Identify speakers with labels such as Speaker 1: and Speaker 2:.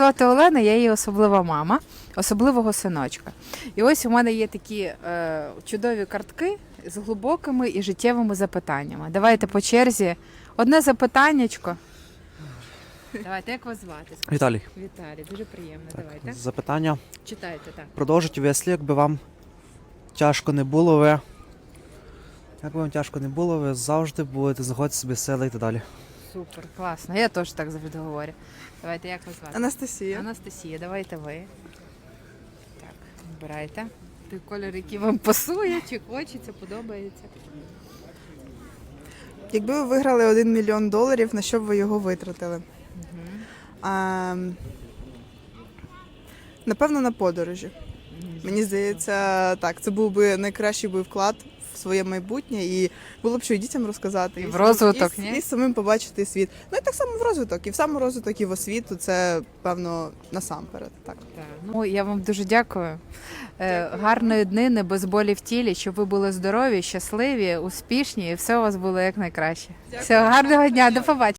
Speaker 1: звати Олена, я її особлива мама, особливого синочка. І ось у мене є такі чудові картки з глибокими і життєвими запитаннями. Давайте по черзі. Одне запитаннячко. Давайте, як вас звати?
Speaker 2: Віталій,
Speaker 1: Віталій, дуже приємно. Давайте.
Speaker 2: запитання.
Speaker 1: Читайте, так.
Speaker 2: Продовжить веслі, якби вам тяжко не було, ви завжди будете знаходити собі сили і так далі.
Speaker 1: Супер, класно. Я теж так завжди говорю. Давайте, як вас звати?
Speaker 3: Анастасія.
Speaker 1: Анастасія, давайте ви. Так, вибирайте. Той колір, який вам пасує, чи хочеться, подобається.
Speaker 3: Якби ви виграли $1 мільйон, на що б ви його витратили? Напевно, на подорожі. Мені здається, так, це був би найкращий вклад в своє майбутнє, і було б що і дітям розказати.
Speaker 1: І в розвиток, ні?
Speaker 3: І самим побачити світ. Ну і так само в розвиток. І в саморозвиток, і в освіту. Це, певно, насамперед. Так.
Speaker 1: Ну, я вам дуже дякую. Гарної днини, без болі в тілі, щоб ви були здорові, щасливі, успішні і все у вас було як найкраще. Всього гарного дня, до побачення.